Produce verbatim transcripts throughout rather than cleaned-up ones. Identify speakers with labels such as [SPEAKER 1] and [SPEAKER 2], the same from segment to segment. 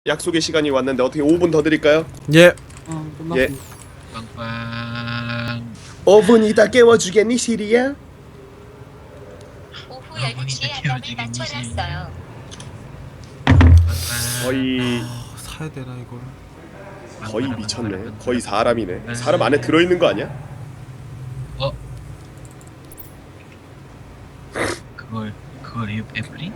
[SPEAKER 1] 약속의 시간이 왔는데 어떻게 오 분 더 드릴까요?
[SPEAKER 2] 예.
[SPEAKER 3] 어,
[SPEAKER 1] 예.
[SPEAKER 3] 끝났습니다.
[SPEAKER 4] 빵빵.
[SPEAKER 1] 오 분이다 깨워주겠니 시리야?
[SPEAKER 5] 오후
[SPEAKER 4] 아,
[SPEAKER 5] 열두 시에
[SPEAKER 4] 문이 다
[SPEAKER 5] 알람을
[SPEAKER 4] 켜지겠니,
[SPEAKER 5] 맞춰놨어요.
[SPEAKER 1] 거의
[SPEAKER 2] 아, 사야 되나 이걸?
[SPEAKER 1] 거의 미쳤네. 거의 사람이네. 사람 안에 들어있는 거 아니야?
[SPEAKER 4] 어? 그걸 그걸 애- 애플이?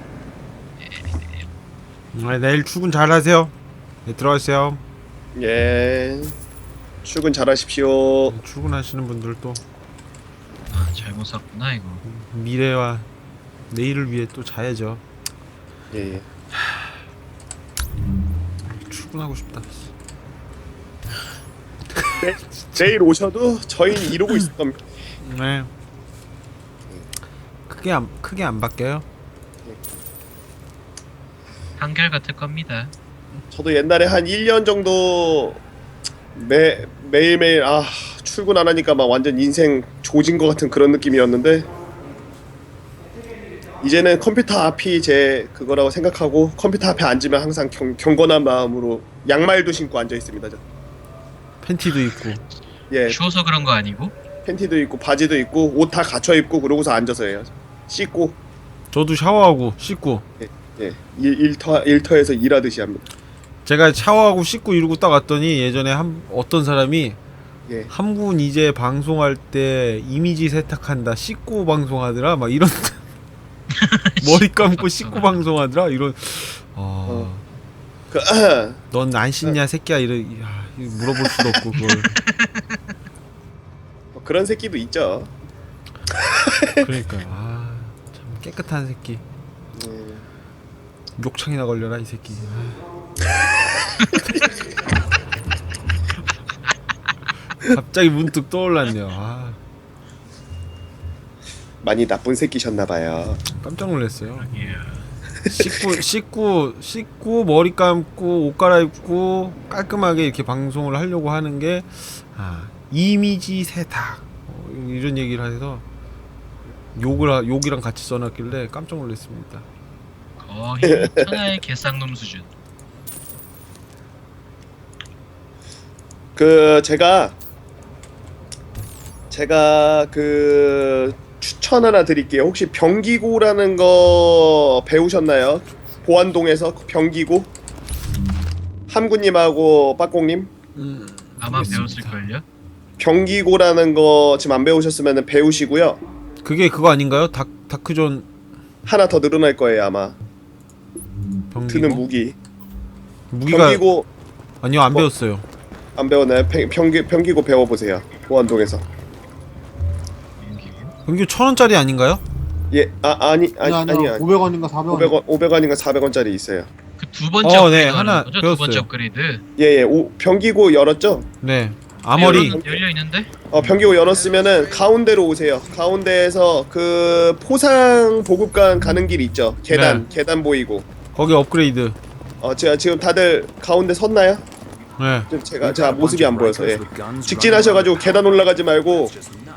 [SPEAKER 2] 네, 내일 출근 잘하세요. 네, 들어가세요.
[SPEAKER 1] 예. 출근 잘하십시오.
[SPEAKER 2] 네, 출근하시는 분들도
[SPEAKER 4] 아 잘못 샀구나 이거.
[SPEAKER 2] 미래와 내일을 위해 또 자야죠.
[SPEAKER 1] 예. 예.
[SPEAKER 2] 출근하고 싶다.
[SPEAKER 1] 내일 오셔도 저희는 이러고 있을 겁니다.
[SPEAKER 2] 네. 크게 안 크게 안 바뀌어요.
[SPEAKER 4] 한결 같을 겁니다.
[SPEAKER 1] 저도 옛날에 한 일 년 정도 매 매일매일 아 출근 안 하니까 막 완전 인생 조진 것 같은 그런 느낌이었는데 이제는 컴퓨터 앞이 제 그거라고 생각하고 컴퓨터 앞에 앉으면 항상 경, 경건한 마음으로 양말도 신고 앉아 있습니다. 저.
[SPEAKER 2] 팬티도 입고.
[SPEAKER 1] 예,
[SPEAKER 4] 추워서 그런 거 아니고?
[SPEAKER 1] 팬티도 입고 바지도 입고 옷 다 갖춰 입고 그러고서 앉아서 해요. 씻고
[SPEAKER 2] 저도 샤워하고 씻고.
[SPEAKER 1] 예 일, 일터 일터에서 일하듯이 합니다.
[SPEAKER 2] 제가 샤워하고 씻고 이러고 딱 왔더니 예전에 한 어떤 사람이
[SPEAKER 1] 예.
[SPEAKER 2] 한분 이제 방송할 때 이미지 세탁한다 씻고 방송하더라 막 이런 머리 감고 씻고 방송하더라 이런 어,
[SPEAKER 1] 그 아,
[SPEAKER 2] 넌 안 씻냐 새끼야 이런 야, 이거 물어볼 수도 없고 그걸
[SPEAKER 1] 뭐 그런 새끼도 있죠.
[SPEAKER 2] 그러니까 아참 깨끗한 새끼
[SPEAKER 1] 예.
[SPEAKER 2] 욕창이나 걸려라 이 새끼 아. 갑자기 문득 떠올랐네요. 아,
[SPEAKER 1] 많이 나쁜 새끼셨나봐요.
[SPEAKER 2] 깜짝 놀랐어요.
[SPEAKER 4] 예.
[SPEAKER 2] 씻고 씻고 씻고 머리 감고 옷 갈아입고 깔끔하게 이렇게 방송을 하려고 하는 게 아, 이미지 세탁 어, 이런 얘기를 해서 욕을 하- 욕이랑 같이 써놨길래 깜짝 놀랐습니다.
[SPEAKER 4] 거의 천하의 개쌍놈 수준.
[SPEAKER 1] 그 제가 제가 그 추천 하나 드릴게요. 혹시 병기고라는 거 배우셨나요? 보안동에서 병기고 함구님하고 빠꽁님
[SPEAKER 2] 음,
[SPEAKER 4] 아마
[SPEAKER 2] 알겠습니다.
[SPEAKER 4] 배웠을걸요?
[SPEAKER 1] 병기고라는 거 지금 안 배우셨으면 배우시고요.
[SPEAKER 2] 그게 그거 아닌가요? 다 다크존
[SPEAKER 1] 하나 더 늘어날 거예요 아마.
[SPEAKER 2] 병기고
[SPEAKER 1] 드는 무기.
[SPEAKER 2] 무기가
[SPEAKER 1] 병기고
[SPEAKER 2] 아니요 안
[SPEAKER 1] 뭐-
[SPEAKER 2] 배웠어요.
[SPEAKER 1] 안 배웠나요? 병, 병기, 병기고 배워보세요. 보안동에서.
[SPEAKER 2] 병기 천 원짜리 아닌가요?
[SPEAKER 1] 예, 아 아니 아니
[SPEAKER 3] 아니,
[SPEAKER 1] 아니
[SPEAKER 3] 아니야.
[SPEAKER 1] 아니.
[SPEAKER 3] 오백 원인가 사백 원.
[SPEAKER 1] 오백 원 오백 원인가 사백 원짜리 있어요.
[SPEAKER 4] 그 두 번째
[SPEAKER 2] 어,
[SPEAKER 4] 업그레이드
[SPEAKER 2] 네,
[SPEAKER 4] 하는
[SPEAKER 2] 하나
[SPEAKER 4] 거죠? 두
[SPEAKER 2] 배웠어요.
[SPEAKER 4] 번째 업그레이드.
[SPEAKER 1] 예예. 오 병기고 열었죠?
[SPEAKER 2] 네 아머리
[SPEAKER 4] 열어, 열려 있는데?
[SPEAKER 1] 어 병기고 열었으면은 가운데로 오세요. 가운데에서 그 포상 보급관 가는 길 있죠? 계단 계단 보이고.
[SPEAKER 2] 거기 업그레이드.
[SPEAKER 1] 어 제가 지금 다들 가운데 섰나요?
[SPEAKER 2] 네.
[SPEAKER 1] 좀 제가 제가 모습이 안 보여서 예. 직진하셔가지고 계단 올라가지 말고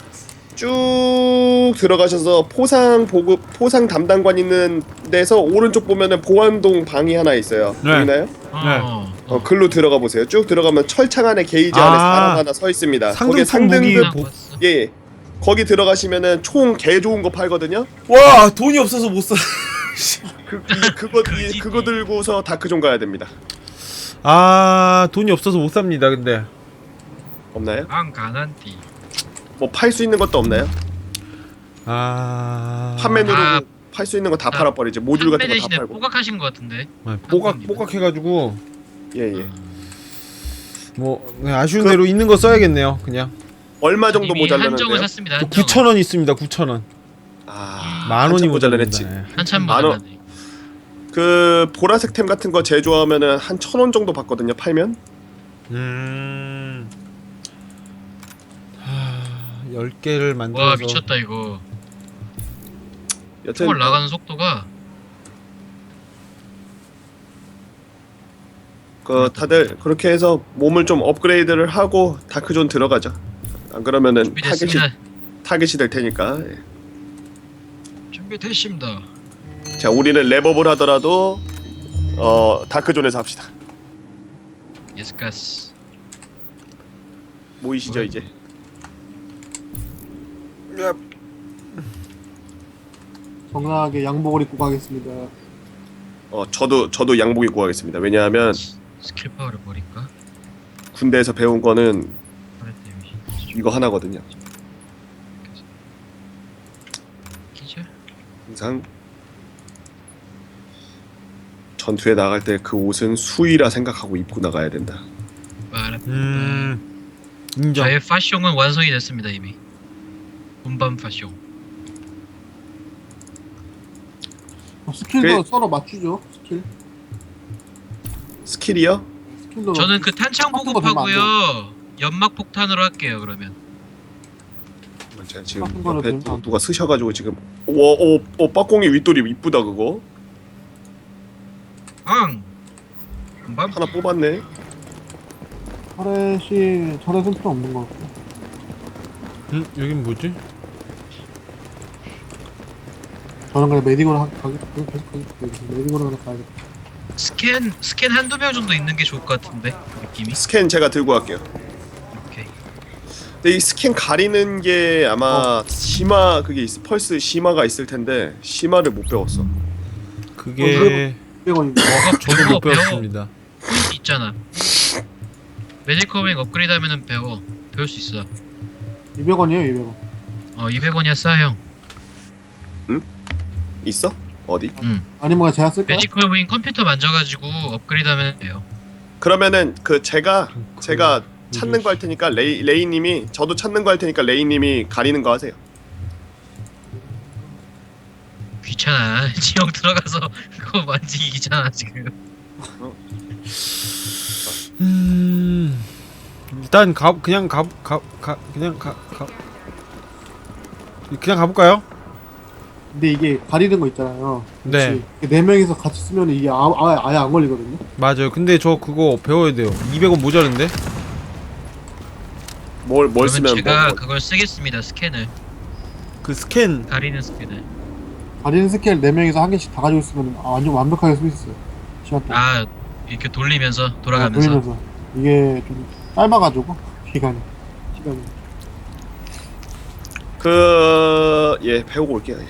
[SPEAKER 1] 쭉 들어가셔서 포상 보급 포상 담당관 있는 데서 오른쪽 보면은 보안동 방이 하나 있어요.
[SPEAKER 2] 네.
[SPEAKER 1] 보이나요?
[SPEAKER 4] 어.
[SPEAKER 1] 어 글로 들어가 보세요. 쭉 들어가면 철창 안에 게이지
[SPEAKER 2] 아.
[SPEAKER 1] 안에 사람 하나 서 있습니다. 거기에
[SPEAKER 2] 상등품 무기.
[SPEAKER 1] 상등급
[SPEAKER 2] 보-
[SPEAKER 1] 예, 예. 거기 들어가시면은 총 개 좋은 거 팔거든요.
[SPEAKER 2] 와 돈이 없어서 못 사.
[SPEAKER 1] 그 이, 그거 이, 그거 들고서 다크존 가야 됩니다.
[SPEAKER 2] 아 돈이 없어서 못 삽니다. 근데
[SPEAKER 1] 없나요?
[SPEAKER 4] 안 가난띠.
[SPEAKER 1] 뭐 팔 수 있는 것도 없나요?
[SPEAKER 2] 아
[SPEAKER 1] 판매 누르고
[SPEAKER 4] 아.
[SPEAKER 1] 팔 수 있는 거 다
[SPEAKER 4] 아,
[SPEAKER 1] 팔아버리죠. 모듈 같은
[SPEAKER 4] 판매
[SPEAKER 1] 거 다
[SPEAKER 4] 대신에
[SPEAKER 1] 팔고.
[SPEAKER 4] 뽀각하신 것 같은데.
[SPEAKER 2] 아, 뽀각 뽀각해가지고
[SPEAKER 1] 예예.
[SPEAKER 2] 뭐 네, 아쉬운
[SPEAKER 1] 그-
[SPEAKER 2] 대로 있는 거 써야겠네요. 그냥
[SPEAKER 1] 얼마 정도
[SPEAKER 4] 이미 한정을
[SPEAKER 1] 모자라는데요?
[SPEAKER 4] 샀습니다. 한정.
[SPEAKER 2] 구천 원 있습니다. 구천 원.
[SPEAKER 1] 아,
[SPEAKER 2] 만 원이
[SPEAKER 1] 한참
[SPEAKER 2] 모자라냈지.
[SPEAKER 1] 모자라냈지.
[SPEAKER 4] 한참
[SPEAKER 1] 만 원.
[SPEAKER 4] 모자라네.
[SPEAKER 1] 그 보라색 템 같은 거 제조하면은 한 천 원 정도 받거든요. 팔면.
[SPEAKER 2] 음. 하, 열 개를 만들어서
[SPEAKER 4] 와 미쳤다 이거.
[SPEAKER 1] 여튼
[SPEAKER 4] 총알 나가는 속도가.
[SPEAKER 1] 그 다들 그렇게 해서 몸을 좀 업그레이드를 하고 다크존 들어가죠. 안 그러면은 타겟이
[SPEAKER 4] 준비됐습니다.
[SPEAKER 1] 타겟이 될 테니까. 예.
[SPEAKER 4] 준비됐습니다.
[SPEAKER 1] 자, 우리는 랩업을 하더라도 어 다크존에서 합시다.
[SPEAKER 4] 예스가스.
[SPEAKER 1] 모이시죠 이제.
[SPEAKER 3] 정당하게 양복을 입고 가겠습니다.
[SPEAKER 1] 어 저도 저도 양복 입고 가겠습니다. 왜냐하면
[SPEAKER 4] 스킬 파워를 버릴까?
[SPEAKER 1] 군대에서 배운 거는
[SPEAKER 4] 파레 데미지.
[SPEAKER 1] 이거 하나거든요.
[SPEAKER 4] 기절.
[SPEAKER 1] 항상 전투에 나갈 때 그 옷은 수의라 생각하고 입고 나가야 된다.
[SPEAKER 4] 빠라.
[SPEAKER 2] 음 인정.
[SPEAKER 4] 저의 파숑은 완성이 됐습니다 이미. 본반 파숑.
[SPEAKER 3] 어, 스킬도
[SPEAKER 1] 그-
[SPEAKER 3] 서로 맞추죠. 스킬.
[SPEAKER 1] 스킬이요?
[SPEAKER 3] 스킬도
[SPEAKER 4] 저는 그 탄창
[SPEAKER 3] 같은 거 되면 안
[SPEAKER 4] 보급하고요. 연막 폭탄으로 할게요 그러면.
[SPEAKER 1] 제가 지금
[SPEAKER 3] 같은 거로
[SPEAKER 1] 옆에
[SPEAKER 3] 되면
[SPEAKER 1] 누,
[SPEAKER 3] 안
[SPEAKER 1] 누가 쓰셔가지고 지금 오오 오, 빠꽁이 윗돌이 이쁘다 그거
[SPEAKER 4] 앙. 본반.
[SPEAKER 1] 하나 뽑았네.
[SPEAKER 3] 터렛이 터렛은 필요 없는 것 같고.
[SPEAKER 2] 음 여긴 뭐지?
[SPEAKER 3] 저는 그냥 메디고로 하- 가겠 계속 가겠 메디고로 하나 가야겠다.
[SPEAKER 4] 스캔 스캔 한두 명 정도 있는 게 좋을 것 같은데 느낌이.
[SPEAKER 1] 스캔 제가 들고 갈게요.
[SPEAKER 4] 오케이.
[SPEAKER 1] 근데 이 스캔 가리는 게 아마 심화 그게 있, 펄스 심화가 있을 텐데 심화를 못 배웠어.
[SPEAKER 2] 그게
[SPEAKER 3] 이백 원입니다.
[SPEAKER 2] 저도 못
[SPEAKER 4] 배워.
[SPEAKER 2] 배웠습니다.
[SPEAKER 4] 포인트 있잖아. 메디커밍 업그레이드 하면은 배워. 배울 수 있어.
[SPEAKER 3] 이백 원이에요, 이백 원.
[SPEAKER 4] 어 이백 원이야 싸 형.
[SPEAKER 1] 있어? 어디?
[SPEAKER 4] 응.
[SPEAKER 3] 아니면 제가 쓸까요?
[SPEAKER 4] 메디컬 윙 컴퓨터 만져가지고 업그레이드 하면 돼요.
[SPEAKER 1] 그러면은 그 제가
[SPEAKER 2] 그-
[SPEAKER 1] 제가 찾는 거 할 테니까 레이 레이님이 저도 찾는 거 할 테니까 레이님이 가리는 거 하세요.
[SPEAKER 4] 귀찮아. 지형 들어가서 그거 만지기 귀찮아 지금.
[SPEAKER 2] 음 일단 가 그냥 가 가 가 그냥 가 가 그냥 가볼까요?
[SPEAKER 3] 근데 이게 가리는 거 있잖아요.
[SPEAKER 2] 네.
[SPEAKER 3] 그치? 네 명이서 같이 쓰면 이게 아, 아, 아예 안 걸리거든요.
[SPEAKER 2] 맞아요. 근데 저 그거 배워야 돼요. 이백 원 모자른데?
[SPEAKER 1] 뭘 뭘
[SPEAKER 4] 그러면
[SPEAKER 1] 쓰면
[SPEAKER 4] 제가
[SPEAKER 1] 뭐,
[SPEAKER 4] 그걸 쓰겠습니다. 스캔을.
[SPEAKER 2] 그 스캔
[SPEAKER 4] 가리는 스캔을.
[SPEAKER 3] 가리는 스킬 네 명이서 한 개씩 다 가지고 있으면 아, 완전 완벽하게 쓸 수 있어요. 시간 동안.
[SPEAKER 4] 아 이렇게 돌리면서
[SPEAKER 3] 아,
[SPEAKER 4] 돌아가면서.
[SPEAKER 3] 돌리면서. 이게 좀 짧아가지고 시간이 시간이.
[SPEAKER 1] 그예 배우고 올게요. 예.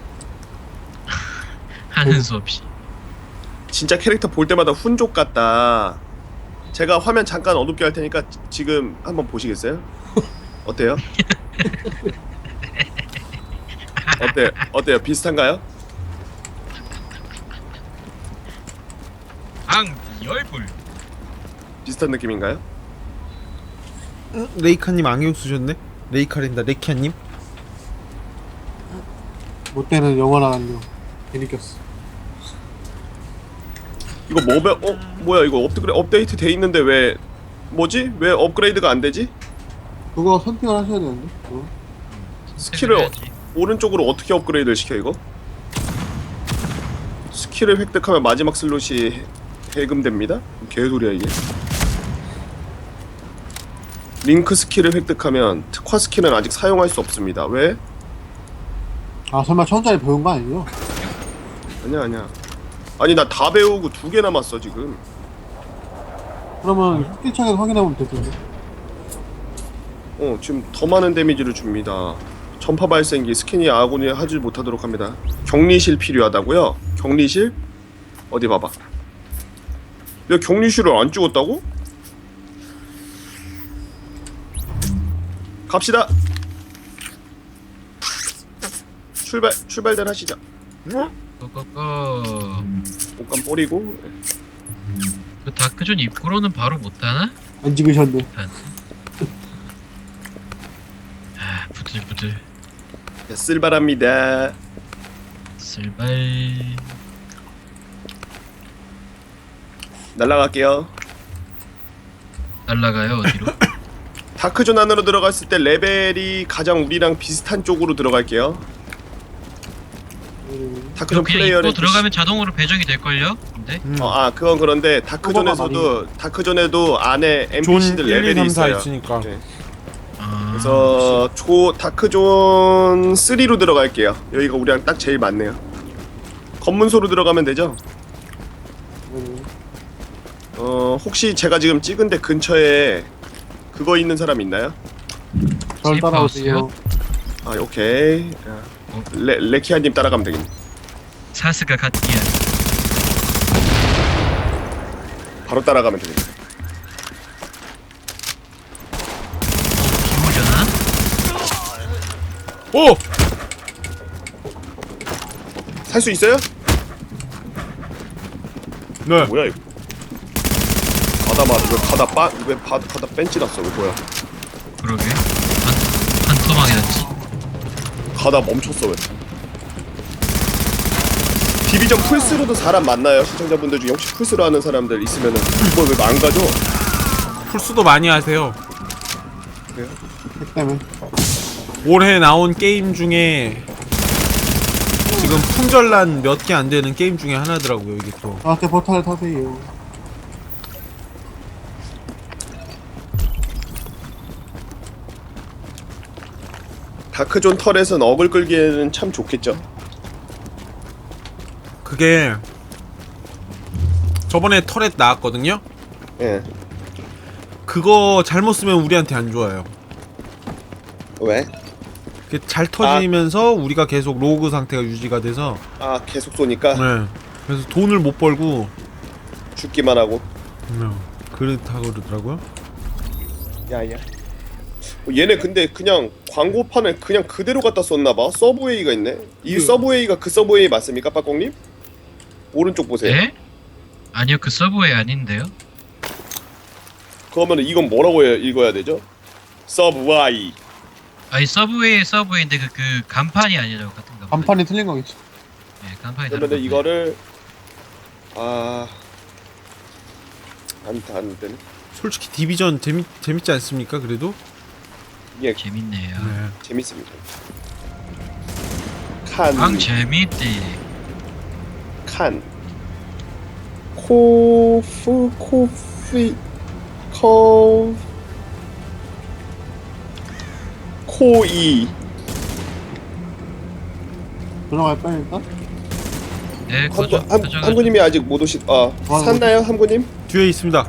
[SPEAKER 4] 하는 수 없이.
[SPEAKER 1] 진짜 캐릭터 볼 때마다 훈족 같다. 제가 화면 잠깐 어둡게 할 테니까 지- 지금 한번 보시겠어요? 어때요? 어때 어때요? 비슷한가요?
[SPEAKER 4] 앙 열불.
[SPEAKER 1] 비슷한 느낌인가요?
[SPEAKER 2] 응? 레이카님 안경 쓰셨네? 레이카랜다 레키아님?
[SPEAKER 3] 못되는 영어랑 안녕. 괜히 꼈어.
[SPEAKER 1] 이거 뭐배 어 뭐야 이거 업그레 업데이트 돼 있는데 왜 뭐지? 왜 업그레이드가 안 되지?
[SPEAKER 3] 그거 선택을 하셔야 되는데. 그거.
[SPEAKER 1] 스킬을
[SPEAKER 4] 해야지.
[SPEAKER 1] 오른쪽으로 어떻게 업그레이드를 시켜 이거? 스킬을 획득하면 마지막 슬롯이 해- 해금됩니다? 개소리야 이게. 링크 스킬을 획득하면 특화 스킬은 아직 사용할 수 없습니다. 왜?
[SPEAKER 3] 아 설마 천짜리 배운 거 아니에요?
[SPEAKER 1] 아니야 아니야. 아니 나 다 배우고 두 개 남았어 지금.
[SPEAKER 3] 그러면 스킬창에서 확인해보면 될 텐데.
[SPEAKER 1] 어 지금 더 많은 데미지를 줍니다. 전파 발생기 스캔이 아군이 하지 못하도록 합니다. 격리실 필요하다고요? 격리실? 어디 봐봐. 내가 격리실을 안 찍었다고? 갑시다. 출발 출발들 하시죠.
[SPEAKER 4] 고고고.
[SPEAKER 1] 옷감 뿌리고
[SPEAKER 4] 그 다크존 입구로는 바로 못하나?
[SPEAKER 3] 안 찍으셨네.
[SPEAKER 4] 일단. 아 부들부들.
[SPEAKER 1] 네, 쓸바랍니다.
[SPEAKER 4] 쓸발.
[SPEAKER 1] 날라갈게요.
[SPEAKER 4] 날라가요 어디로?
[SPEAKER 1] 다크존 안으로 들어갔을 때 레벨이 가장 우리랑 비슷한 쪽으로 들어갈게요.
[SPEAKER 3] 음,
[SPEAKER 1] 다크존
[SPEAKER 4] 그냥
[SPEAKER 1] 플레이어는
[SPEAKER 4] 입구 들어가면 자동으로 배정이 될 걸요? 근데
[SPEAKER 2] 음.
[SPEAKER 1] 어, 아 그건 그런데 다크존에서도 다크존에도 안에
[SPEAKER 2] 존
[SPEAKER 1] 엔피씨들
[SPEAKER 2] 일, 이,
[SPEAKER 1] 레벨이
[SPEAKER 2] 삼, 사
[SPEAKER 1] 있어요.
[SPEAKER 2] 있으니까.
[SPEAKER 1] 네.
[SPEAKER 4] 아,
[SPEAKER 1] 그래서 조 다크존 삼로 들어갈게요. 여기가 우리랑 딱 제일 맞네요. 검문소로 들어가면 되죠?
[SPEAKER 3] 음,
[SPEAKER 1] 어 혹시 제가 지금 찍은 데 근처에 그거 있는 사람 있나요?
[SPEAKER 3] 절
[SPEAKER 4] 세이프
[SPEAKER 3] 따라오세요.
[SPEAKER 1] 아 오케이.
[SPEAKER 4] 어?
[SPEAKER 1] 레 레키아님 따라가면 되겠네.
[SPEAKER 4] 사스가 갓기야.
[SPEAKER 1] 바로 따라가면 되겠네.
[SPEAKER 4] 기모잖아.
[SPEAKER 2] 오!
[SPEAKER 1] 살 수 있어요?
[SPEAKER 2] 네.
[SPEAKER 1] 뭐야 이거? 가다 마, 왜 가다 빠, 왜 바, 가다 벤치 났어? 왜 뭐야?
[SPEAKER 4] 그러게. 반 반토막이 났지.
[SPEAKER 1] 가다 멈췄어 왜? 디비전 풀스로도 사람 만나요? 시청자분들 중에 혹시 풀스로 하는 사람들 있으면은 이걸 왜 안 가죠?
[SPEAKER 2] 풀수도 많이 하세요.
[SPEAKER 3] 핵 때문에.
[SPEAKER 2] 올해 나온 게임 중에 지금 품절난 몇 개 안 되는 게임 중에 하나더라고요. 이게 또.
[SPEAKER 3] 저한테 포탈 타세요.
[SPEAKER 1] 다크존 털에선 어글 끌기에는 참 좋겠죠.
[SPEAKER 2] 그게 저번에 터렛 나왔거든요.
[SPEAKER 1] 예.
[SPEAKER 2] 그거 잘못 쓰면 우리한테 안 좋아요.
[SPEAKER 1] 왜?
[SPEAKER 2] 그게 잘 터지면서 우리가 계속 로그 상태가 유지가 돼서
[SPEAKER 1] 아 계속 쏘니까
[SPEAKER 2] 네. 그래서 돈을 못 벌고
[SPEAKER 1] 죽기만 하고.
[SPEAKER 2] 네. 그렇다고 그러더라고요.
[SPEAKER 1] 야야. 어, 얘네 근데 그냥 광고판을 그냥 그대로 갖다 썼나봐. 서브웨이가 있네. 이
[SPEAKER 2] 그-
[SPEAKER 1] 서브웨이가 그 서브웨이 맞습니까, 빠꽁님? 오른쪽 보세요.
[SPEAKER 4] 예? 아니요 그 서브웨이 아닌데요.
[SPEAKER 1] 그러면 이건 뭐라고 해, 읽어야 되죠? 서브웨이.
[SPEAKER 4] 아니 서브웨이 서브웨이인데 그, 그 간판이 아니라고 같은 거.
[SPEAKER 3] 간판이 틀린 거겠지.
[SPEAKER 4] 네 간판이 다른
[SPEAKER 1] 그러면
[SPEAKER 4] 건데.
[SPEAKER 1] 이거를 아... 안, 안 되네.
[SPEAKER 2] 솔직히 디비전 재밌 재밌지 않습니까? 그래도
[SPEAKER 1] 예,
[SPEAKER 4] 재밌네요.
[SPEAKER 2] 네.
[SPEAKER 1] 재밌습니다. 칸,
[SPEAKER 4] 앙 재밌디.
[SPEAKER 1] 칸, 코프, 코피, 코, 코이.
[SPEAKER 3] 들어갈까요 일단?
[SPEAKER 4] 네 거저
[SPEAKER 1] 함구, 함,
[SPEAKER 4] 거저
[SPEAKER 1] 함구님이 아직 못 오신. 아,
[SPEAKER 3] 아,
[SPEAKER 1] 샀나요, 함구님?
[SPEAKER 2] 뒤에 있습니다.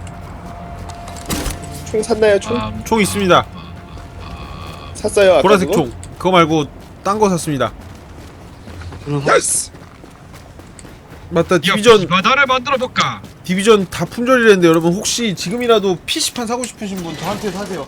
[SPEAKER 1] 총 샀나요, 총?
[SPEAKER 4] 아,
[SPEAKER 2] 총 있습니다.
[SPEAKER 1] 샀어요, 아까
[SPEAKER 2] 보라색
[SPEAKER 1] 그거?
[SPEAKER 2] 총. 그거 말고 딴 거 샀습니다.
[SPEAKER 3] 들어서
[SPEAKER 1] 예스!
[SPEAKER 2] 맞다.
[SPEAKER 4] 디비전
[SPEAKER 2] 디비전
[SPEAKER 4] 바다를 만들어 볼까?
[SPEAKER 2] 디비전 다 품절이랬는데 여러분 혹시 지금이라도 피시판 사고 싶으신 분 저한테 사세요.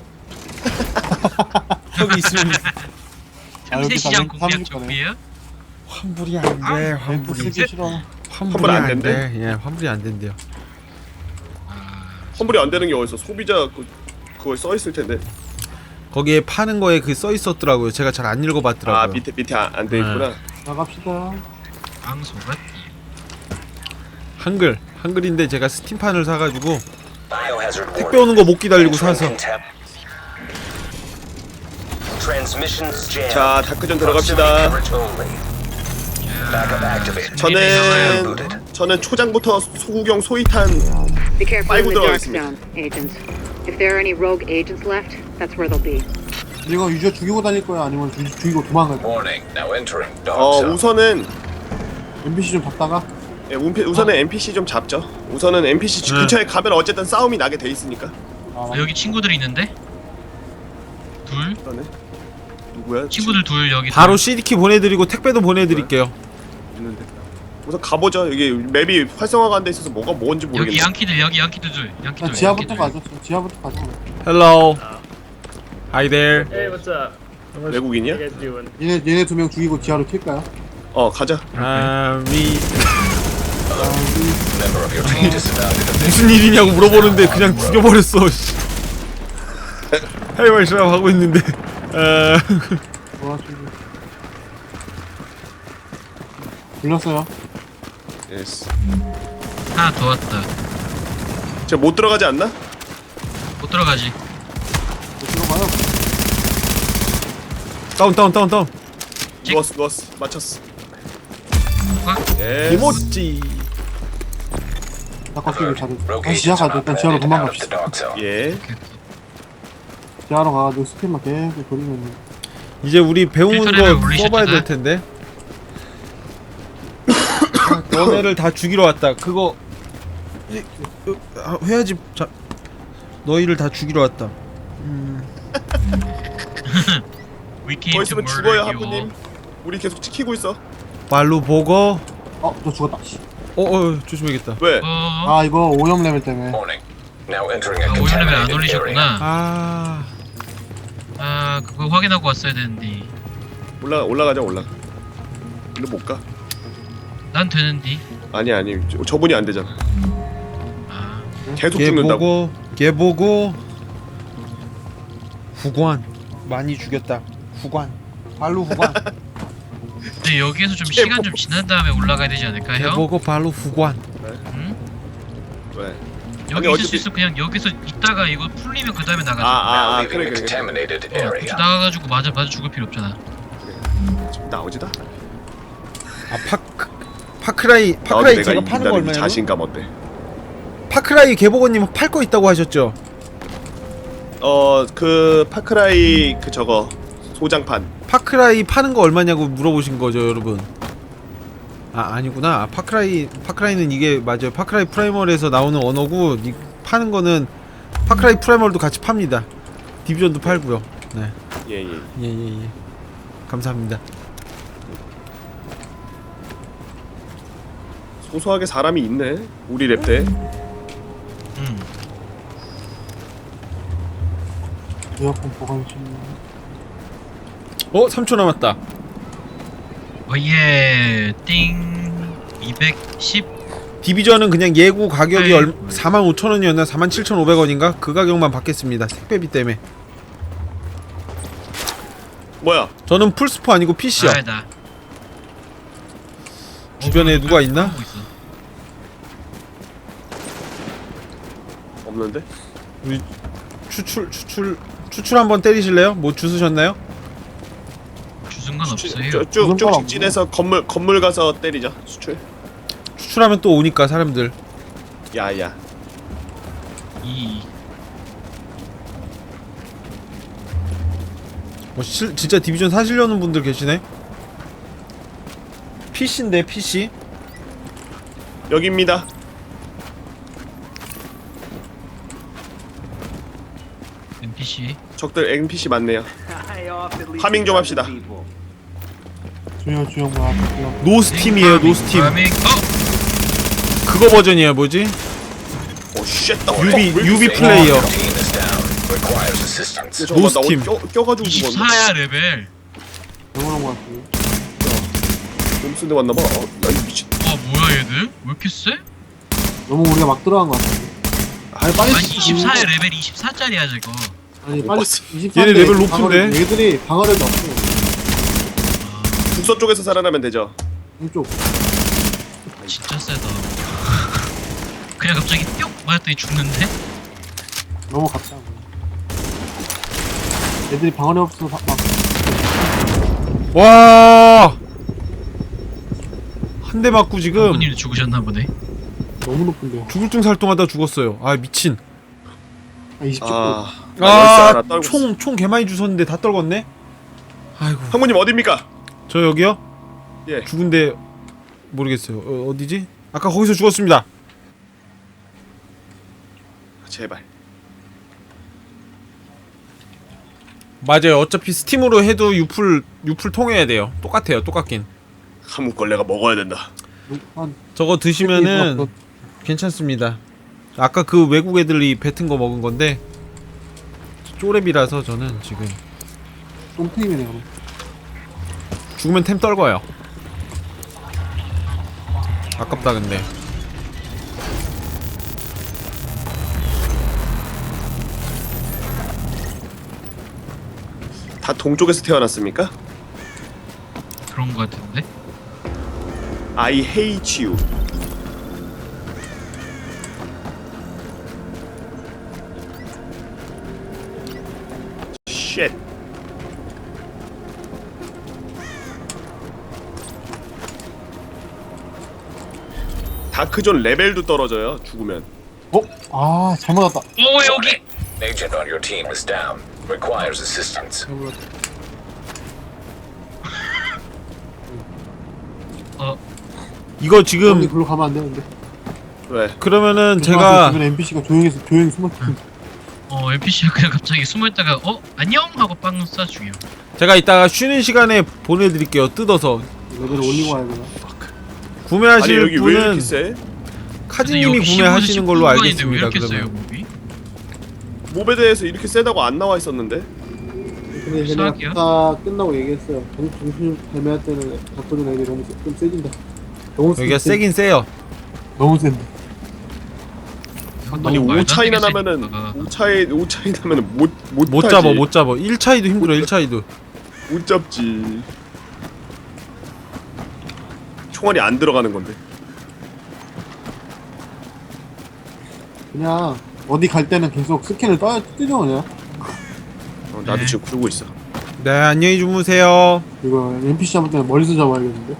[SPEAKER 2] 여기 있으면
[SPEAKER 3] 아, 여기
[SPEAKER 4] 틈새시장
[SPEAKER 3] 다
[SPEAKER 4] 공략
[SPEAKER 3] 삼십 거네.
[SPEAKER 4] 준비해요?
[SPEAKER 2] 환불이 안 돼.
[SPEAKER 4] 아,
[SPEAKER 3] 멘트
[SPEAKER 2] 환불이
[SPEAKER 3] 쓰기 싫어.
[SPEAKER 2] 환불이
[SPEAKER 1] 환불 안
[SPEAKER 2] 안
[SPEAKER 1] 된대?
[SPEAKER 2] 돼. 예, 환불이 안 된대요.
[SPEAKER 4] 아,
[SPEAKER 1] 환불이 안 되는 게 어딨어? 소비자 그, 그거 써 있을 텐데.
[SPEAKER 2] 거기에 파는 거에 그 써 있었더라고요. 제가 잘 안 읽어봤더라고요.
[SPEAKER 1] 아, 밑에 밑에 안 돼 있구나.
[SPEAKER 3] 나갑시다.
[SPEAKER 4] 앙소가
[SPEAKER 2] 한글 한글인데 제가 스팀판을 사가지고
[SPEAKER 5] Biohazard
[SPEAKER 2] 택배 오는 거 못 기다리고
[SPEAKER 5] Entering
[SPEAKER 2] 사서
[SPEAKER 5] contempt. Transmissions jammed.
[SPEAKER 1] 자, 다크전 들어갑시다.
[SPEAKER 5] Proximity coverage only. Backup activated.
[SPEAKER 1] 저는 저는 초장부터 소구경 소이탄
[SPEAKER 6] Be careful
[SPEAKER 1] 빨고
[SPEAKER 6] in the dark
[SPEAKER 1] 들어가겠습니다.
[SPEAKER 6] zone, agents. If there are any rogue agents left, that's where they'll be.
[SPEAKER 3] 이거 유저 죽이고 다닐 거야 아니면 주, 죽이고 도망갈 거야?
[SPEAKER 5] Warning. Now entering dark
[SPEAKER 1] 어
[SPEAKER 5] zone.
[SPEAKER 1] 우선은
[SPEAKER 3] 엠피씨 좀 잡다가
[SPEAKER 1] 예, 운피, 우선은 엔피씨 좀 잡죠. 우선은 엔피씨
[SPEAKER 2] 네.
[SPEAKER 1] 근처에 가면 어쨌든 싸움이 나게 돼 있으니까.
[SPEAKER 3] 아,
[SPEAKER 4] 아, 여기 친구들이 있는데? 둘?
[SPEAKER 1] 그러네. 누구야?
[SPEAKER 4] 친구들 둘 여기
[SPEAKER 2] 바로
[SPEAKER 4] 둘.
[SPEAKER 2] 씨디키 보내드리고 택배도 보내드릴게요.
[SPEAKER 1] 있는데. 우선 가보죠. 여기 맵이 활성화가 안 돼 있어서 뭐가 뭔지
[SPEAKER 4] 여기
[SPEAKER 1] 모르겠네.
[SPEAKER 4] 양키들 여기 양키들 둘 양키들
[SPEAKER 3] 일단 지하부터 가죠. 지하부터 가죠.
[SPEAKER 2] Hello. Hi there.
[SPEAKER 7] Hey, what's up?
[SPEAKER 1] 외국인이야?
[SPEAKER 7] What you guys doing?
[SPEAKER 3] 얘네 얘네 두 명 죽이고 지하로 튈까요?
[SPEAKER 1] 어 가자.
[SPEAKER 2] 아, 위
[SPEAKER 5] Member of your team disavowed it.
[SPEAKER 2] 무슨 일이냐고 물어보는데 그냥 죽여버렸어. 씨. 할 말씀 하고 있는데. 아,
[SPEAKER 3] 도와주고. 불렀어요.
[SPEAKER 1] 예스.
[SPEAKER 4] 하나 더 왔다.
[SPEAKER 1] 제가 못 들어가지 않나?
[SPEAKER 4] 못 들어가지.
[SPEAKER 3] 못 들어가요.
[SPEAKER 2] 다운 다운 다운 다운.
[SPEAKER 4] 찍.
[SPEAKER 1] 누웠어 누웠어. 맞췄어.
[SPEAKER 4] 꽉.
[SPEAKER 1] 예스.
[SPEAKER 2] 이모찌.
[SPEAKER 3] 낚아끼기 잘해.
[SPEAKER 5] Rogue
[SPEAKER 3] 다시 지하
[SPEAKER 5] agents are
[SPEAKER 3] 가죠. 일단
[SPEAKER 5] not
[SPEAKER 3] 지하로
[SPEAKER 5] permitted out of the
[SPEAKER 3] 도망갑시다.
[SPEAKER 5] dark zone.
[SPEAKER 1] 예.
[SPEAKER 3] 지하로 가가지고 스팀만 계속 돌리면
[SPEAKER 2] 이제 우리 배운
[SPEAKER 4] 필터를
[SPEAKER 2] 거
[SPEAKER 4] 올리셨잖아.
[SPEAKER 2] 써봐야 될 텐데. 너네를 다 죽이러 왔다. 그거 이, 어, 아, 해야지. 자, 너희를 다 죽이러 왔다.
[SPEAKER 4] We came
[SPEAKER 1] 더
[SPEAKER 4] to
[SPEAKER 1] 있으면
[SPEAKER 4] murder
[SPEAKER 1] 죽어요
[SPEAKER 4] you.
[SPEAKER 1] 하부님. 우리 계속 지키고 있어.
[SPEAKER 2] 말로 보고.
[SPEAKER 3] 어, 저 죽었다. 씨.
[SPEAKER 2] 어, 어, 조심해야겠다.
[SPEAKER 1] 왜?
[SPEAKER 4] 어?
[SPEAKER 3] 아, 이거 오염 레벨 때문에.
[SPEAKER 5] Warning. Now entering a
[SPEAKER 4] 아, 오염 레벨 안
[SPEAKER 5] contaminated area.
[SPEAKER 4] 올리셨구나.
[SPEAKER 2] 아,
[SPEAKER 4] 아, 그거 확인하고 왔어야 되는데.
[SPEAKER 1] 올라 올라가자 올라. 일로 못 가.
[SPEAKER 4] 난 되는데.
[SPEAKER 1] 아니 아니 저, 저분이 안 되잖아.
[SPEAKER 4] 아,
[SPEAKER 1] 계속
[SPEAKER 2] 걔
[SPEAKER 1] 죽는다고.
[SPEAKER 2] 보고, 걔 보고. 후관 많이 죽였다. 후관. 발로 후관.
[SPEAKER 4] 근데 여기에서 좀 시간 좀 지난 다음에 올라가야 되지 않을까,
[SPEAKER 2] 걔
[SPEAKER 4] 형?
[SPEAKER 2] 보고 발로 후관.
[SPEAKER 4] 응?
[SPEAKER 1] 왜?
[SPEAKER 4] 여기
[SPEAKER 1] 아니,
[SPEAKER 4] 있을 수
[SPEAKER 1] 어차피-
[SPEAKER 4] 있어. 그냥 여기서 있다가 이거 풀리면 그 다음에 나가자.
[SPEAKER 1] 아아
[SPEAKER 5] Now
[SPEAKER 1] 아,
[SPEAKER 5] leaving
[SPEAKER 1] 그래
[SPEAKER 5] the
[SPEAKER 1] 그래. 그래.
[SPEAKER 5] contaminated
[SPEAKER 4] 어,
[SPEAKER 5] area.
[SPEAKER 4] 굳이 나가가지고 맞아 맞아 죽을 필요 없잖아.
[SPEAKER 1] 좀 나오지다.
[SPEAKER 2] 아, 파크 파크라이
[SPEAKER 1] 나도
[SPEAKER 2] 파크라이
[SPEAKER 1] 내가
[SPEAKER 2] 제가 파는 거
[SPEAKER 1] 이긴다는 이
[SPEAKER 2] 얼마예요?
[SPEAKER 1] 자신감 어때?
[SPEAKER 2] 파크라이 개보고님 팔 거 있다고 하셨죠?
[SPEAKER 1] 어 그 파크라이 그 저거 소장판.
[SPEAKER 2] 파크라이 파는 거 얼마냐고 물어보신 거죠, 여러분. 아, 아니구나. 아, 파크라이 파크라이는 이게 맞아요. 파크라이 프라이멀에서 나오는 언어고 이 파는 거는 파크라이 프라이멀도 같이 팝니다. 디비전도 팔고요. 네.
[SPEAKER 1] 예예.
[SPEAKER 2] 예, 예, 예. 감사합니다.
[SPEAKER 1] 소소하게 사람이 있네. 우리 랩 때.
[SPEAKER 4] 응.
[SPEAKER 3] 에어컨 보관실.
[SPEAKER 2] 어, 삼 초 남았다.
[SPEAKER 4] 어예 띵 이백십.
[SPEAKER 2] 디비전은 그냥 예고 가격이
[SPEAKER 4] 에이.
[SPEAKER 2] 얼 사만 오천 원이었나 사만 칠천오백 원인가? 그 가격만 받겠습니다. 택배비 때문에.
[SPEAKER 1] 뭐야?
[SPEAKER 2] 저는 풀스포 아니고 피씨요.
[SPEAKER 4] 아, 나.
[SPEAKER 2] 주변에
[SPEAKER 4] 어,
[SPEAKER 2] 누가 있나?
[SPEAKER 4] 하고 있어.
[SPEAKER 1] 없는데?
[SPEAKER 2] 우리 추출 추출 추출 한번 때리실래요? 뭐 주스셨나요?
[SPEAKER 4] 주승 건 없어요.
[SPEAKER 3] 무슨
[SPEAKER 1] 쭉쭉
[SPEAKER 3] 건
[SPEAKER 1] 직진해서 건물 건물 가서 때리자. 수출.
[SPEAKER 2] 추출하면 또 오니까 사람들.
[SPEAKER 1] 야야.
[SPEAKER 4] 이
[SPEAKER 2] 뭐 실, 진짜 디비전 사시려는 분들 계시네. 피씨인데 피씨.
[SPEAKER 1] 여기입니다.
[SPEAKER 4] 엔피씨.
[SPEAKER 1] 적들 엔피씨 많네요. 파밍 좀 합시다.
[SPEAKER 3] 주영, 주영, 뭐야, 주영.
[SPEAKER 2] 노스팀이에요, 노스팀.
[SPEAKER 4] 파밍. 어?
[SPEAKER 2] 그거 버전이에요, 뭐지?
[SPEAKER 1] 오 쉣.
[SPEAKER 2] 유비 유비
[SPEAKER 5] Saying
[SPEAKER 2] 플레이어.
[SPEAKER 5] your team is down. Requires assistance.
[SPEAKER 1] 잠깐만 나
[SPEAKER 2] 노스팀.
[SPEAKER 1] 어디 껴, 껴가지고 죽었네.
[SPEAKER 4] 이십사야 레벨.
[SPEAKER 3] 영원한 것 같아요.
[SPEAKER 1] 몸쓴데 왔나봐. 어, 야이 미친.
[SPEAKER 4] 와 뭐야 얘들? 왜 이렇게 세?
[SPEAKER 3] 너무 우리가 막 들어간 것 같아. 아니, 빨리.
[SPEAKER 4] 아니 이십사야 레벨 이십사짜리야 저거.
[SPEAKER 3] 아니,
[SPEAKER 1] 못
[SPEAKER 3] 빨리.
[SPEAKER 1] 봤어.
[SPEAKER 3] 이십삼
[SPEAKER 2] 얘네
[SPEAKER 3] 대
[SPEAKER 2] 레벨 높은데?
[SPEAKER 3] 방어력- 얘들이 방어력이 없어.
[SPEAKER 1] 북서 쪽에서 살아나면 되죠.
[SPEAKER 3] 이쪽.
[SPEAKER 4] 진짜 세다. 그냥 갑자기 뿅 맞았더니 죽는데?
[SPEAKER 3] 너무 갔다. 애들이 방어력 없어서 막, 막
[SPEAKER 2] 와. 한 대 맞고 지금
[SPEAKER 4] 부모님도 죽으셨나 보네.
[SPEAKER 3] 너무 높은데요.
[SPEAKER 2] 죽을 중 살동하다 죽었어요. 아, 미친.
[SPEAKER 3] 아, 이십 초.
[SPEAKER 1] 아. 나 열쇠 하나
[SPEAKER 2] 아,
[SPEAKER 1] 떨고 있어.
[SPEAKER 2] 총 총 개 많이 주웠는데 다 떨궜네. 아이고.
[SPEAKER 1] 형무님 어디입니까?
[SPEAKER 2] 저 여기요?
[SPEAKER 1] 예.
[SPEAKER 2] 죽은데 모르겠어요. 어, 어디지? 아까 거기서 죽었습니다.
[SPEAKER 1] 제발.
[SPEAKER 2] 맞아요. 어차피 스팀으로 해도 유풀 유풀 통해야 돼요. 똑같아요. 똑같긴.
[SPEAKER 1] 한무걸레가 먹어야 된다.
[SPEAKER 3] 한
[SPEAKER 2] 저거 드시면은 괜찮습니다. 아까 그 외국 애들이 뱉은 거 먹은 건데 쪼렙이라서 저는 지금
[SPEAKER 3] 똥테임이네, 그럼.
[SPEAKER 2] 죽으면 템 떨궈요. 아깝다 근데.
[SPEAKER 1] 다 동쪽에서 태어났습니까?
[SPEAKER 4] 그런 거 같은데?
[SPEAKER 1] I hate you. Shit. 다크존 레벨도 떨어져요. 죽으면.
[SPEAKER 3] 어? 아, 잘못 왔다.
[SPEAKER 4] 오 여기!
[SPEAKER 5] An agent on your team is down. Requires assistance.
[SPEAKER 3] 잘못 왔다.
[SPEAKER 4] 어
[SPEAKER 2] 이거
[SPEAKER 3] 여기
[SPEAKER 2] 지금
[SPEAKER 3] 글로 가면 안 되는데.
[SPEAKER 1] 왜?
[SPEAKER 2] 그러면은
[SPEAKER 3] 조심하세요.
[SPEAKER 2] 제가
[SPEAKER 3] 주변에 엔피씨가 조용해서 조용히 숨어있거든.
[SPEAKER 4] 어 엔피씨가 그냥 갑자기 숨어있다가 어? 안녕? 하고 빵 쏴 죽여.
[SPEAKER 2] 제가 이따가 쉬는 시간에 보내드릴게요. 뜯어서
[SPEAKER 3] 레벨을 올리고 와야 되나?
[SPEAKER 1] 아니
[SPEAKER 2] 구매하실
[SPEAKER 1] 여기 왜 이렇게
[SPEAKER 2] 분은
[SPEAKER 1] 세?
[SPEAKER 2] 카즈님이 구매하시는 걸로
[SPEAKER 4] 왜
[SPEAKER 2] 알겠습니다.
[SPEAKER 4] 이렇게 세요
[SPEAKER 2] 그러면
[SPEAKER 4] 몹이?
[SPEAKER 1] 몹에 대해서 이렇게 세다고 안 나와 있었는데?
[SPEAKER 3] 근데 얘네가
[SPEAKER 4] 수학이요?
[SPEAKER 3] 다 끝나고 얘기했어요. 정- 정신 애매할 때는 바꿔준 애들이 너무 세, 좀 세진다. 너무
[SPEAKER 2] 여기가
[SPEAKER 3] 세-
[SPEAKER 2] 세긴 세요.
[SPEAKER 3] 너무 센데.
[SPEAKER 1] 아니
[SPEAKER 4] 너무
[SPEAKER 1] 오
[SPEAKER 4] 말도 안
[SPEAKER 1] 차이나
[SPEAKER 4] 되게
[SPEAKER 1] 나면은
[SPEAKER 4] 세니까.
[SPEAKER 1] 오 차이 오 차이 나면은 못못
[SPEAKER 2] 못 잡아 못 잡아. 일 차이도 힘들어. 일 차이도.
[SPEAKER 1] 못 잡지. 총알이 안 들어가는 건데.
[SPEAKER 3] 그냥 어디 갈 때는 계속 스캔을 떠 뜨죠 그냥.
[SPEAKER 1] 어, 나도
[SPEAKER 4] 네.
[SPEAKER 1] 지금 그러고 있어.
[SPEAKER 2] 네, 안녕히 주무세요.
[SPEAKER 3] 이거 엔피씨 잡을 때는 멀리서 잡아야겠는데.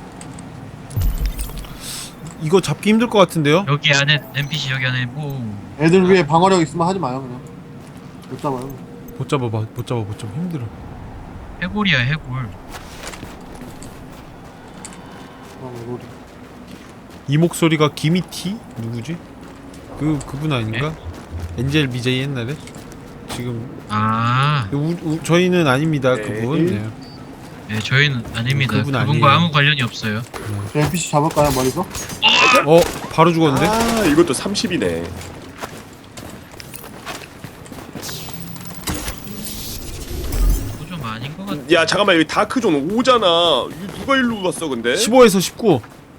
[SPEAKER 2] 이거 잡기 힘들 것 같은데요?
[SPEAKER 4] 여기 안에 엔피씨 여기 안에 뭐
[SPEAKER 3] 애들 위에 방어력 있으면 하지 마요 그냥. 못 잡아요.
[SPEAKER 2] 못 잡아 봐. 못 잡아 못 잡아. 힘들어.
[SPEAKER 4] 해골이야 해골.
[SPEAKER 3] 어, 로리.
[SPEAKER 2] 이 목소리가 기미티? 누구지? 그 그분 아닌가? 엔젤 비제이 옛날에? 지금
[SPEAKER 4] 아,
[SPEAKER 2] 우, 우, 저희는 아닙니다.
[SPEAKER 1] 네.
[SPEAKER 2] 그분. 네.
[SPEAKER 4] 네 저희는 아닙니다.
[SPEAKER 2] 그분
[SPEAKER 4] 그분과
[SPEAKER 2] 아니에요.
[SPEAKER 4] 아무 관련이 없어요.
[SPEAKER 3] 저 엔피씨 잡을까요 머리서?
[SPEAKER 2] 어, 바로 죽었는데?
[SPEAKER 1] 아 이것도 삼십이네.
[SPEAKER 4] 그거 좀 아닌 것 같아.
[SPEAKER 1] 야 잠깐만 여기 다크존 오잖아. 이거 누가 일로 갔어 근데?
[SPEAKER 2] 십오에서 십구.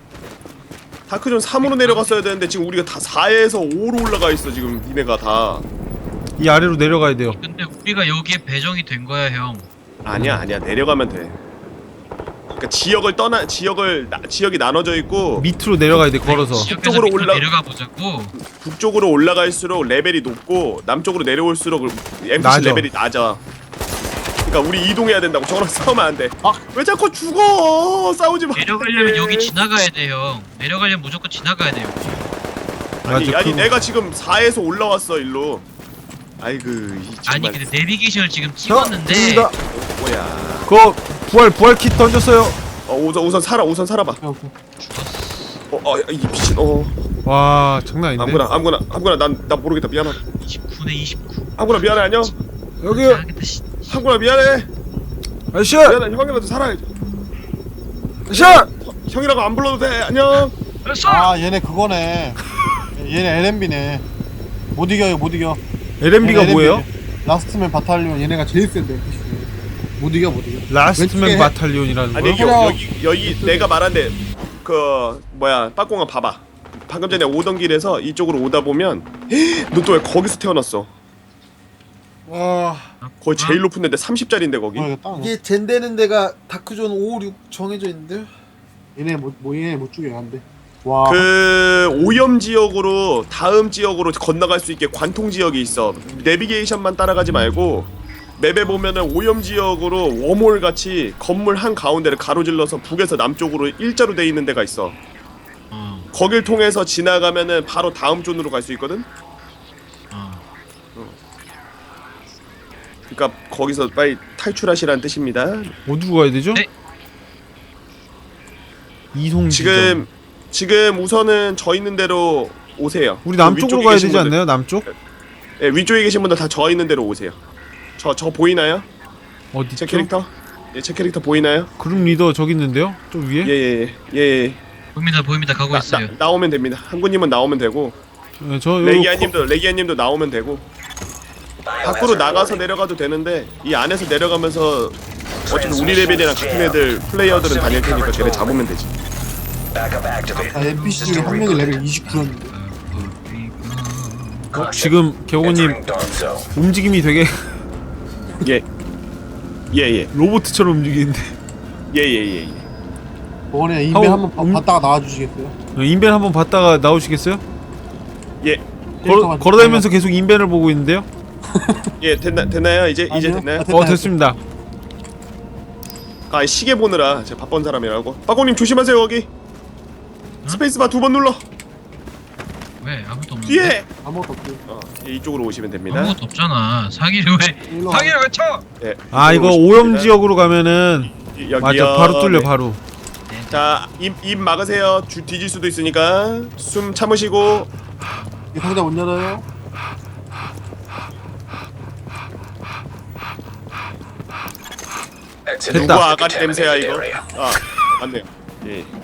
[SPEAKER 1] 다크존 삼으로 내려갔어야 되는데 지금 우리가 다 사에서 오로 올라가 있어 지금 니네가 다.
[SPEAKER 2] 이 아래로 내려가야 돼요.
[SPEAKER 4] 근데 우리가 여기에 배정이 된 거야 형.
[SPEAKER 1] 아니야 아니야 내려가면 돼. 그러니까 지역을 떠나 지역을 나, 지역이 나눠져 있고
[SPEAKER 2] 밑으로 내려가야 돼. 걸어서.
[SPEAKER 4] 지역에서
[SPEAKER 1] 북쪽으로
[SPEAKER 4] 밑으로
[SPEAKER 1] 올라-
[SPEAKER 4] 내려가 보자고.
[SPEAKER 1] 북쪽으로 올라갈수록 레벨이 높고 남쪽으로 내려올수록 엠피씨
[SPEAKER 2] 낮아.
[SPEAKER 1] 레벨이 낮아. 그러니까 우리 이동해야 된다고. 저거랑 싸우면 안 돼.
[SPEAKER 3] 아!
[SPEAKER 1] 왜 자꾸 죽어? 싸우지 마.
[SPEAKER 4] 내려가려면 여기 지나가야 돼 형. 내려가려면 무조건 지나가야 돼 여기.
[SPEAKER 1] 아니,
[SPEAKER 2] 맞아,
[SPEAKER 1] 아니
[SPEAKER 2] 그-
[SPEAKER 1] 내가 지금 사에서 올라왔어 일로. 아이고 이
[SPEAKER 4] 아니
[SPEAKER 1] 정말
[SPEAKER 4] 근데 내비게이션을 지금
[SPEAKER 2] 자,
[SPEAKER 4] 찍었는데
[SPEAKER 2] 됩니다.
[SPEAKER 1] 뭐야.
[SPEAKER 2] 그거 부활 부활 킷 던졌어요.
[SPEAKER 1] 어 우선 우선 살아 우선 살아봐.
[SPEAKER 3] 오케이 오케이.
[SPEAKER 1] 어, 어, 이 미친. 어,
[SPEAKER 2] 와, 장난 아닌데.
[SPEAKER 1] 아무거나, 아무거나, 아무거나, 난, 나 모르겠다. 미안하다.
[SPEAKER 4] 이십구 대 이십구.
[SPEAKER 1] 아무거나 미안해, 안녕.
[SPEAKER 2] 여기
[SPEAKER 4] 알겠다 씨.
[SPEAKER 1] 아무거나 미안해.
[SPEAKER 2] 아저씨,
[SPEAKER 1] 미안해, 형이라도 살아야지.
[SPEAKER 2] 아저씨.
[SPEAKER 1] 형이라고 안 불러도 돼. 안녕.
[SPEAKER 4] 알았어.
[SPEAKER 3] 아 얘네 그거네. 얘네 엘엠비네. 못 이겨요 못 이겨.
[SPEAKER 2] 엘엠비가
[SPEAKER 3] 얘네
[SPEAKER 2] 뭐예요?
[SPEAKER 3] 엘엠비 네. 라스트맨 바탈리온 얘네가 제일 센데 엔피씨. 못 이겨 못 이겨.
[SPEAKER 2] 라스트맨
[SPEAKER 3] 왼쪽에-
[SPEAKER 2] 바탈리온이라는
[SPEAKER 1] 아니
[SPEAKER 2] 거요?
[SPEAKER 1] 여, 여기 여기 내가 말한데 그 뭐야 빠꽁아 봐봐. 방금 전에 오던 길에서 이쪽으로 오다 보면 너 또 왜 거기서 태어났어?
[SPEAKER 2] 와,
[SPEAKER 1] 거의 제일 높은 데인데 삼십 짜리인데 거기.
[SPEAKER 3] 어, 이거 땅.
[SPEAKER 2] 이게 젠되는 데가 다크존 오, 육 정해져 있는데요?
[SPEAKER 3] 얘네 못, 뭐 얘네 못 죽여 안 돼. 와.
[SPEAKER 1] 그 오염 지역으로 다음 지역으로 건너갈 수 있게 관통 지역이 있어. 내비게이션만 따라가지 말고 맵에 보면은 오염 지역으로 웜홀 같이 건물 한 가운데를 가로질러서 북에서 남쪽으로 일자로 돼 있는 데가 있어.
[SPEAKER 4] 어.
[SPEAKER 1] 거길 통해서 지나가면은 바로 다음 존으로 갈 수 있거든.
[SPEAKER 4] 어.
[SPEAKER 1] 그러니까 거기서 빨리 탈출하시라는 뜻입니다.
[SPEAKER 2] 어디로 가야 되죠?
[SPEAKER 4] 네.
[SPEAKER 2] 이송
[SPEAKER 1] 지금 지금 우선은 저 있는 대로 오세요.
[SPEAKER 2] 우리 남쪽으로
[SPEAKER 1] 위쪽에
[SPEAKER 2] 가야
[SPEAKER 1] 계신
[SPEAKER 2] 되지
[SPEAKER 1] 분들,
[SPEAKER 2] 않나요? 남쪽?
[SPEAKER 1] 예, 위쪽에 계신 분들 다 저 있는 대로 오세요. 저 저 보이나요?
[SPEAKER 2] 어디?
[SPEAKER 1] 제 캐릭터? 예, 제 캐릭터 보이나요?
[SPEAKER 2] 그룹 리더 저기 있는데요? 좀 위에?
[SPEAKER 1] 예예예 예, 예, 예.
[SPEAKER 4] 보입니다 보입니다 가고
[SPEAKER 1] 나,
[SPEAKER 4] 있어요.
[SPEAKER 1] 나, 나오면 됩니다. 한구님은 나오면 되고
[SPEAKER 2] 네, 저 요-
[SPEAKER 1] 레기아님도 레기아님도 나오면 되고 밖으로 나가서 내려가도 되는데 이 안에서 내려가면서 어차피 우리 레벨이랑 같은 애들 플레이어들은 다닐 테니까 걔네 잡으면 되지.
[SPEAKER 5] Backup activated.
[SPEAKER 3] 아 엔피씨 중에 한 명이 레벨 이십구였는데.
[SPEAKER 2] 어, 지금 개호님
[SPEAKER 5] Entering dark zone.
[SPEAKER 2] 움직임이 되게
[SPEAKER 1] 예. 예예
[SPEAKER 2] 로봇처럼 움직이는데.
[SPEAKER 1] 예예예 예, 예.
[SPEAKER 3] 저번에 인벤
[SPEAKER 2] 하고,
[SPEAKER 3] 한번 봐-
[SPEAKER 2] 음-
[SPEAKER 3] 봤다가 나와주시겠어요?
[SPEAKER 2] 인벤 한번 봤다가 나오시겠어요?
[SPEAKER 1] 예.
[SPEAKER 2] 걸어,
[SPEAKER 3] 캐릭터가
[SPEAKER 2] 걸어다니면서 계속 인벤을 보고 있는데요?
[SPEAKER 1] 예, 됐나 됐나요? 이제 이제
[SPEAKER 3] 아니요.
[SPEAKER 1] 됐나요?
[SPEAKER 3] 아, 됐-
[SPEAKER 2] 어, 됐습니다.
[SPEAKER 1] 아 시계 보느라 제가 바쁜 사람이라고. 빠꼬님 조심하세요 거기. 스페이스바 두 번 눌러.
[SPEAKER 4] 왜 아무도 없는데?
[SPEAKER 1] 뒤에.
[SPEAKER 3] 아무것도 없고.
[SPEAKER 1] 어, 예, 이쪽으로 오시면 됩니다.
[SPEAKER 4] 아무것도 없잖아. 사기를 왜?
[SPEAKER 3] 일로 와.
[SPEAKER 4] 사기를 왜 쳐?
[SPEAKER 1] 예.
[SPEAKER 2] 아, 이거
[SPEAKER 1] 이쪽으로 오시면
[SPEAKER 2] 오염
[SPEAKER 1] 됩니다.
[SPEAKER 2] 지역으로 가면은
[SPEAKER 1] 이- 여기요.
[SPEAKER 2] 맞아, 바로 뚫려
[SPEAKER 1] 네.
[SPEAKER 2] 바로.
[SPEAKER 4] 네네.
[SPEAKER 1] 자, 입, 입 막으세요. 주 뒤질 수도 있으니까 숨 참으시고.
[SPEAKER 3] 이 상자 못 열어요?
[SPEAKER 5] Exit
[SPEAKER 2] 됐다.
[SPEAKER 1] 누구
[SPEAKER 5] the
[SPEAKER 1] 아가리 냄새야
[SPEAKER 5] contaminated
[SPEAKER 1] 이거?
[SPEAKER 5] area.
[SPEAKER 1] 아, 맞네요. 예.